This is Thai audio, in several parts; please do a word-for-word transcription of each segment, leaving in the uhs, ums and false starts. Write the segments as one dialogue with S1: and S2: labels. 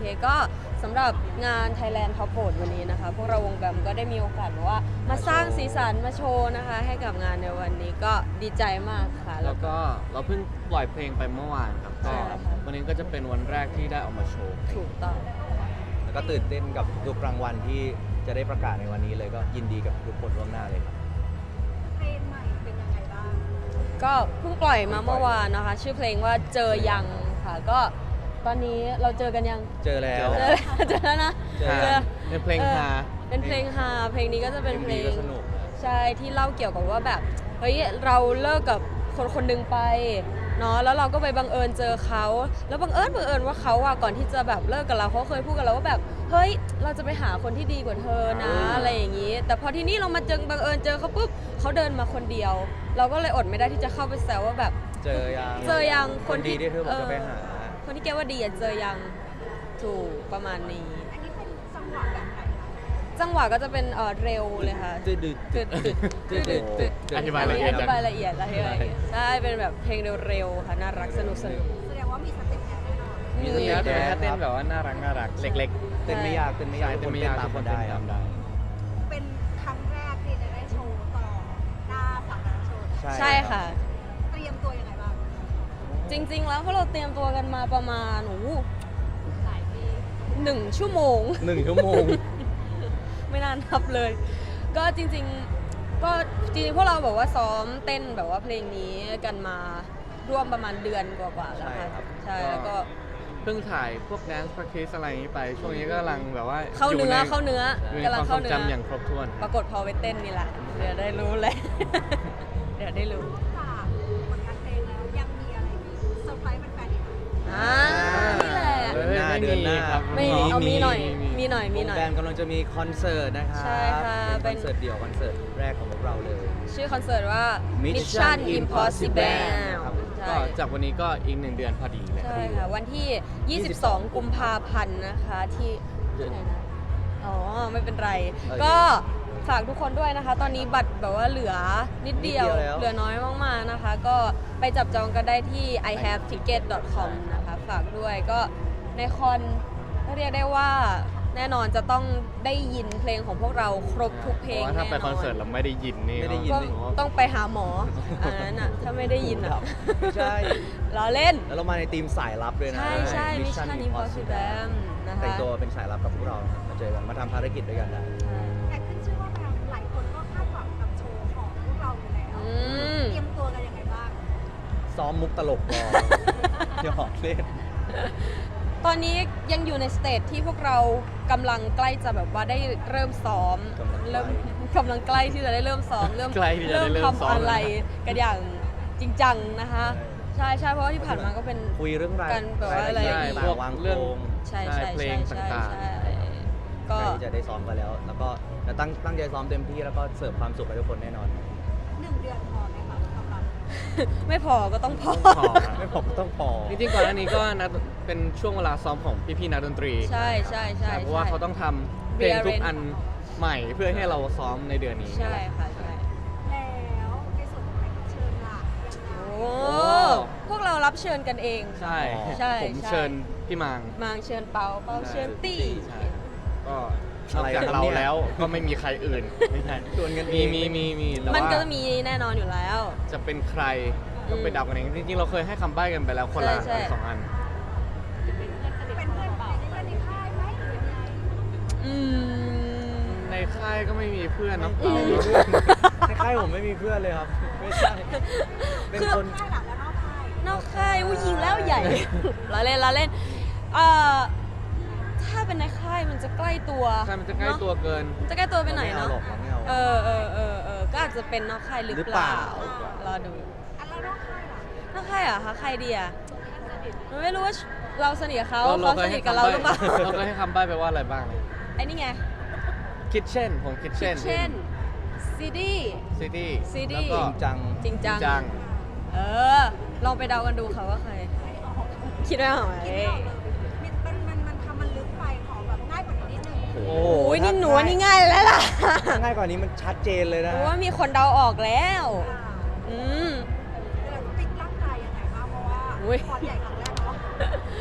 S1: เคก็สำหรับงาน Thailand Top Vote วันนี้นะคะพวกเราวงแบมก็ได้มีโอกาสแบบว่ามาสร้างสีสันมาโชว์นะคะให้กับงานในวันนี้ก็ดีใจมากค่ะ
S2: แล้วก็เราเพิ่งปล่อยเพลงไปเมื่อวานครับก็
S1: ใช่ค่ะ
S2: วันนี้ก็จะเป็นวันแรกที่ได้ออกมาโชว์
S1: ถูกต้อง
S3: แล้วก็ตื่นเต้นกับทุกรางวัลที่จะได้ประกาศในวันนี้เลยก็ยินดีกับทุกคนล่วงหน้าเลยครับ
S4: เพลงใหม่เป็นยังไงบ้าง
S1: ก็เพิ่งปล่อยมาเมื่อวานนะคะ ชื่อเพลงว่าเจอยังค่ะก็ตอนนี้เราเจอกันยัง
S3: เจอแล้ว
S1: เจอเจอแล้วนะ
S3: เจอ
S1: เจอ
S2: เป็นเพลงฮา
S1: เป็นเพลงฮาเพลงนี้ก็จะเป็นเพลง
S3: ก็สนุก
S1: ใช่ที่เล่าเกี่ยวกับว่าแบบเฮ้ยเราเลิกกับคนคนหนึ่งไปเนาะแล้วเราก็ไปบังเอิญเจอเขาแล้วบังเอิญบังเอิญว่าเขาอะก่อนที่จะแบบเลิกกับเราเขาเคยพูดกับเราว่าแบบเฮ้ยเราจะไปหาคนที่ดีกว่าเธอนะอะไรอย่างนี้ แต่พอที่นี่เรามาเจอบังเอิญเจอเขาปุ๊บเขาเดินมาคนเดียว เราก็เลยอดไม่ได้ที่จะเข้าไปแซวว่าแบบ
S3: เจอยัง
S1: เจอยัง
S3: คนดีที่เธอบอกจะไปหา
S1: คนที่แกว่าดีอะเจอยังถูกประมาณนี้
S4: อันนี้เป็นจังหวะแบบไหนคะ
S1: จังหวะก็จะเป็นเอ่อเร็วเลยค่ะ
S3: ตึ๊ดตึ๊ด
S1: ตึ๊ดตึ๊ดตึ๊ดตึ๊ดตึ๊ด
S2: อธิบายละเอียด
S1: อธิบายละเอียดละเอียดใช่เป็นแบบเพลงเร็วๆค่ะน่ารักสนุกสนุก
S4: แสดงว่ามีสเต็ปแอนแน่นอน
S2: มีสเต็ปแต่ถ้าเต้นแบบว่าน่ารักน่ารักเล็กๆ
S3: เต้นไม่ยากเต้นไม่ยาก
S2: ใช่
S3: ทุก
S2: เต้
S3: คน น
S2: ไม่
S3: เต้
S2: ยาก
S3: นตาม
S2: ทุก
S3: ค
S2: คน
S3: น
S2: เต้น
S3: ได้ค
S2: ตา
S3: รับ
S2: มได้
S4: เป็นครั้งแรกที่จะได้โชว์ต่อหน้าสาธารณชน
S1: ใช่ค่ะ
S4: เตรียมตัวยังไงบ้าง
S1: จริงๆ แล้วพวกเราเตรียมตัวกันมาประมาณโอ้โห
S4: หลายปี
S1: หนึ่งชั่วโมง
S3: หนึ่งชั่วโมง
S1: ไม่นานนับเลย ก็จริงๆ ก็จริงๆ พวกเราแบบว่าซ้อมเต้นแบบว่าเพลงนี้กันมาร่วมประมาณเดือนกว่าๆแล้วค่ะ
S3: ใช่ครับ
S1: ใช่แล้วก็
S2: เพิ่งถ่ายพวก dance practice อะไรนี้ไป ช่วงนี้ก็กำลังแบบว่า
S1: เข้าเนื้อ
S2: อยู่
S1: เข้าเนื้อ
S2: อยู่ใน
S1: กำลั
S2: ค
S1: ง
S2: วามท
S1: เข้า
S2: รง
S1: เนื้อ
S2: จำอย่างครบถ้วน
S1: ปรากฏพอไปเต้นนี่แหละ เดี๋ยวได้รู้เลย เดี๋ยวได้รู้
S4: จากผลงานเพลงแล้วยังมีอะไรอีกเซอร์ไพรส์แฟนๆอีกไหม
S1: อ่านี่แหละ
S2: เอ้ย
S3: เดือนหน้า
S2: ไม่มี
S3: เดือนหน้า
S2: ครับ
S1: ไม่เอามีหน่อย มีหน่อย มี
S3: วง
S1: หน่อย
S3: แบมกำลังจะมีคอนเสิร์ตนะครับ
S1: ใช่ค่ะ
S3: เป็น
S1: เป็น
S3: คอนเสิร์ตเดี่ยวคอนเสิร์ตแรกของพวกเราเลย
S1: ชื่อคอนเสิร์ตว่า
S3: Mission
S1: Mission Impossible
S3: Impossible ครับ
S1: ใช่
S2: ก็จากวันนี้ก็อีกหนึ่งเดือนพอดีเลย
S1: ใช่ค่ะ วันที่ ยี่สิบสอง กุมภาพันธ์นะคะที่ที่ไหนนะ อ๋อ ไม่เป็นไร
S3: เออ
S1: ก็ฝากทุกคนด้วยนะคะ ตอนนี้บัตรแบบว่าเหลือนิดเดียว
S3: นิดเดียวแล้ว
S1: เหลือน้อยมากๆนะคะ ก็ไปจับจองกันได้ที่ ไอ แฮป ทิกเก็ต ดอท คอม นะคะ ฝากด้วยก็ในคอนเรียกได้ว่าแน่นอนจะต้องได้ยินเพลงของพวกเราครบทุกเพลง
S2: พราะว่าถ้า
S1: แน่
S2: ไป
S1: น
S2: ค
S1: อ
S2: อน
S1: น
S2: เสิร์ตเราไม่ได้ยินนี่
S3: ไม่ได้ยิน
S1: ก็
S2: ผมว่า
S1: ต้องไปหาหมออันนั้นอ่ะ ถ้าไม่ได้ยินอ่ะ
S3: ไม่ใช่
S1: ล้อเล่น
S3: แล้วเรามาในทีมสายลับด้วยนะ
S1: ใช่ใช่ Mission Impossible นะคะ
S3: แต่งตัวเป็นสายลับกับพวกเรานะครับมาเจอกันมาทำภารกิจด้วยกันได้
S4: แต่ขึ้นชื่อว่าแบมหลายคนก็คาดหวังกับโชว์ของพวกเราอยู่แล้ว
S1: อืม
S4: เตรียมตัวกันยังไงบ้าง
S3: ซ้อมมุกตลกรอ หยอกเล่น
S1: ตอนนี้ยังอยู่ในสเตจที่พวกเรากำลังใกล้จะแบบว่าได้เริ่มซ้อม
S3: กำลังใกล้
S1: เริ่มกำลังใกล้ที่จะได้เริ่มซ้อม เริ่ม
S2: ใกล้ที่จะได้เริ่มซ้อม
S1: ทำอะไรกันอย่างจริงจังนะคะ ใช่ใช่เพราะว่าที่ผ่านมาก็เป็น
S3: คุยเรื่องราย
S1: กันแบบว่าอะไร
S3: รายละเอียด
S2: พวก
S3: ต่างๆวางโค
S2: เรื่อง
S3: รง
S1: ใช่ใช่
S2: เพล
S1: ใช่
S2: ง
S1: ใช่
S2: ต่าง
S1: ใช่
S3: ใก
S1: ก็
S3: ล้ที่จะได้ซ้อมกันแล้ว แล้วก็จะตั้งตั้งใจซ้อมเต็มที่แล้วก็เสิร์ฟความสุขให้ทุกคนแน่นอน
S4: หนึ่งเดือนพอไหมคะสำหรับ
S1: ไม่พอก็ต้องพอ
S2: พอครับ
S3: ไม่ผมต้องพอ
S2: จริงๆก่อนหน้านี้ก็นัดเป็นช่วงเวลาซ้อมของพี่ๆนักดนตรี
S1: ใช่ใช่ใช่
S2: เพราะว่าเขาต้องทำเพลงทุกอันใหม่เพื่อให้เราซ้อมในเดือนนี้
S1: ใช่ค่ะใช่
S4: แล้วในส่วนของแขกรับเชิญล่ะยังไง
S1: โอ้พวกเรารับเชิญกันเอง
S2: ใช่
S1: ใช่
S2: ผม
S1: ใช่
S2: เชิญพี่มาง
S1: มางเชิญเปาเปาเชิญตี้
S2: ใช่ก็นอกจากเราแล้วก็ไม่มีใครอื่นไม่ใช่
S3: ชวนกันเอ
S2: มี
S3: ง
S2: มีมีมีแต่
S1: มัน
S2: ว่า
S1: ก็จะมีแน่นอนอยู่แล้ว
S2: จะเป็นใครต้องไปเดากันเองจริงๆเราเคยให้คำใบ้กันไปแล้วคนละ
S1: ใช่ใช่
S2: สองอัน
S4: เป็นเพื่อนเป็นเพื่อนในค่ายไหมหรือยังไง
S1: อืม
S2: ในค่ายก็ไม่มีเพื่อนเนาะ
S1: อืม
S3: ในค่ายผมไม่มีเพื่อนเลยครับ ไม่ใช่ เป็น
S1: คือ
S3: คน
S4: ค่ายหลักแล้วนอกค่าย
S1: นอกค่ายอุ้ยยิงแล้วใหญ่ ล้อเล่นล้อเล่นเอ่อถ้าเป็นในค่ายมันจะใกล้ตัว
S2: ใช่มันจะใกล้
S1: เนอ
S2: ตัวเกิน
S1: มันจะใกล้ตัวไปหน่อย
S3: ไม่
S1: เนาะ
S3: เอาหรอกไม่เอา
S1: เออเออเออเออก็อาจจะเป็นนอกค่ายหรือ
S3: หรือ
S1: เป
S3: เป
S1: ล่า
S3: ล่า
S1: รอดู
S4: อันแล้วนอกค่ายล่ะ
S1: นอกค่ายเหรอคะใครดีอ่ะมันไม่รู้ว่าเราสนิทกับเขา
S2: เรา
S1: เขาสนิทกับเราหรือเปล่า
S2: เราก็ให้คำใบ้ไปว่าอะไรบ้าง
S1: ไอ้นี่ไง
S2: คิดเช่นผมคิดเช่น
S1: เช่นซีดี
S2: ซิตี้
S1: ซีดี้
S2: แล้ว
S3: จ
S2: ก็
S3: ริงจัง
S1: จริงจัง
S2: จัง
S1: เออ ลองไปเดากันดูค่ะว่าใคร คิดไม่ออกไหม
S4: คิดไม่ออกเลยมันมันมันทำมันลึกไปขอแบบง่ายกว่านี้นิดนึง
S3: โอ้
S1: โอ้ยนี่หนูว่านี่ง่ายแล้วล่ะ
S3: ถ้าง่ายกว่านี้มันชัดเจนเลย
S1: เพ
S3: นะ
S1: ราะว่ามีคนเดาออกแล้ว
S4: อ่า
S1: อืม
S4: เดี๋ยวฟิตร่างกายยังไงบ้างเพราะว่า
S1: อุ๊ย
S4: คอนใหญ่ครั้งแรกเนาะ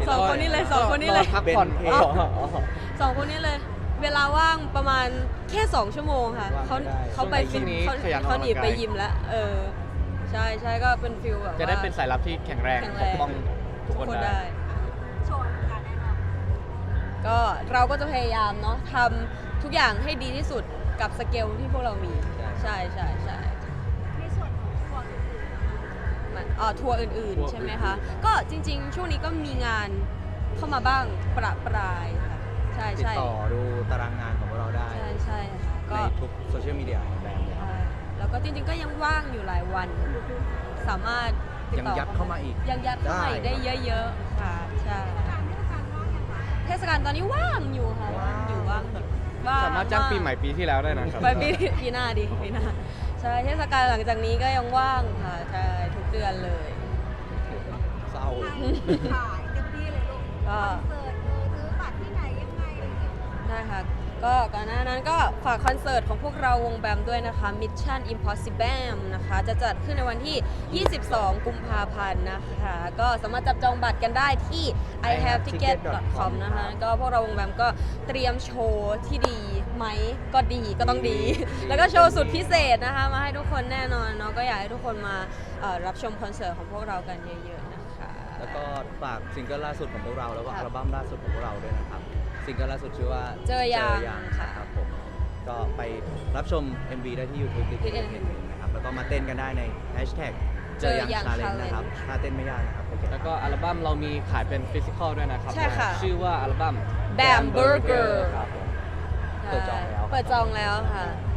S1: สองคนนี้เลยสองคนนี้เลย
S2: อพักผ่อน
S3: เบนเพ
S2: อ๋อ
S1: สองคนนี้เลย เวลาว่างประมาณแค่สองชั่วโมงค่ะ
S3: ว่าง
S1: เขา
S3: ไม่ได้
S1: เขาไป
S2: ช่วงนี้
S1: เขา
S2: ขยันออก
S1: เขาหนี
S2: กำลังกาย
S1: ไปยิมแล้ว เออ ใช่ใช่ก็เป็นฟิลแบบ
S2: จะได้
S1: ว่า
S2: เป็นสายลับที่แข็งแรง
S1: แข็ง
S2: ป
S1: แรง
S2: กป้องทุกคนได้
S4: โชว์การแน่นอน
S1: ก็เราก็จะพยายามเนาะทำทุกอย่างให้ดีที่สุดกับสเกลที่พวกเรามี
S3: ใช่
S1: ใช่ใช่ใช่
S4: ในส่วนของทัวร์อื่นๆ
S1: มันอ่าทัวร์อื่น
S2: ทัวร์
S1: ๆ ใช่ไหมคะ ก็จริง ๆ ช่วงนี้ก็มีงานเข้ามาบ้างประปรายค่ะ ใช่
S3: ติด
S1: ใช่
S3: ต่อดูตารางงานของพวกเราได้
S1: ใช่ใช่ค่ะ
S3: ใน
S1: ก็
S3: ทุกโซเชียลมีเดียของแบรนด์เลยครับ
S1: ใช่แล้วก็จริง ๆ ก็ยังว่างอยู่หลายวัน สามารถติด
S3: ยัง
S1: ต่อ
S3: ยัดเข้ามาอีก
S1: ยังยัดเข้ามาอีก
S3: ได้
S1: ได้เยอะๆค่ะใช่
S4: การเทศกาลว่างอย่างไร
S1: เทศกาลตอนนี้ว่างอยู่ค่ะว่างอยู่ว่างอยู่ว่ง
S2: สามารถจ้างปีใหม่ปีที่แล้วได้นะครับ
S1: ไปปีปีหน้าดีปีหน้าใช่เทศกาลหลังจากนี้ก็ยังว่างค่ะใช่ทุกเดือนเลย
S3: เศร้า
S4: ขายเต็มที่เลยลูก
S1: ก็
S4: คอนเสิร์ตเออซื้อบัตรที่ไหนยังไงอะไรอย่างเงี้ย
S1: ได้ค่ะก็ก่อนหน้านั้นก็ฝากคอนเสิร์ตของพวกเราวงแบมด้วยนะคะ Mission Impossible นะคะ จะจัดขึ้นในวันที่ ยี่สิบสอง กุมภาพันธ์นะคะ ก็สามารถจับจองบัตรกันได้ที่ ไอ แฮป ทิกเก็ต ดอท คอม นะคะ ก็พวกเราวงแบมก็เตรียมโชว์ที่ดีไหมก็ดีก็ต้องดี แล้วก็โชว์สุดพิเศษนะคะ มาให้ทุกคนแน่นอนเนาะก็อยากให้ทุกคนมาเอ่อรับชมคอนเสิร์ตของพวกเรากันเยอะๆนะคะ
S3: แล้วก็ฝากซิงเกิลล่าสุดของพวกเราแล้วก็
S1: ครับ
S3: อัลบั้มล่าสุดของพวกเราด้วยนะครับซิงเกิลล่าสุดชื่อว่า
S1: เจอยัง
S3: ค่ะครับผมก็ไปรับชม เอ็ม วี ได้ที่ YouTube ดิจิทัลเพลงนะครับแล้วก็มาเต้นกันได้ในแฮชแท็กเจอยัง
S1: เจอยัง
S3: ชาเลน
S1: Challenge
S3: นะครับถ้าเต้นไม่ยากนะครับโอเค
S2: แล้วก็อัลบั้มเรามีขายเป็นฟิสิกอลด้วยนะครับ
S1: ใช่ค่ะ
S2: ชื่อว่าอัลบั้ม
S1: Bam Burger
S3: ครับผม เปิดจองแล้ว
S1: เปิดจองแล้วค่ะ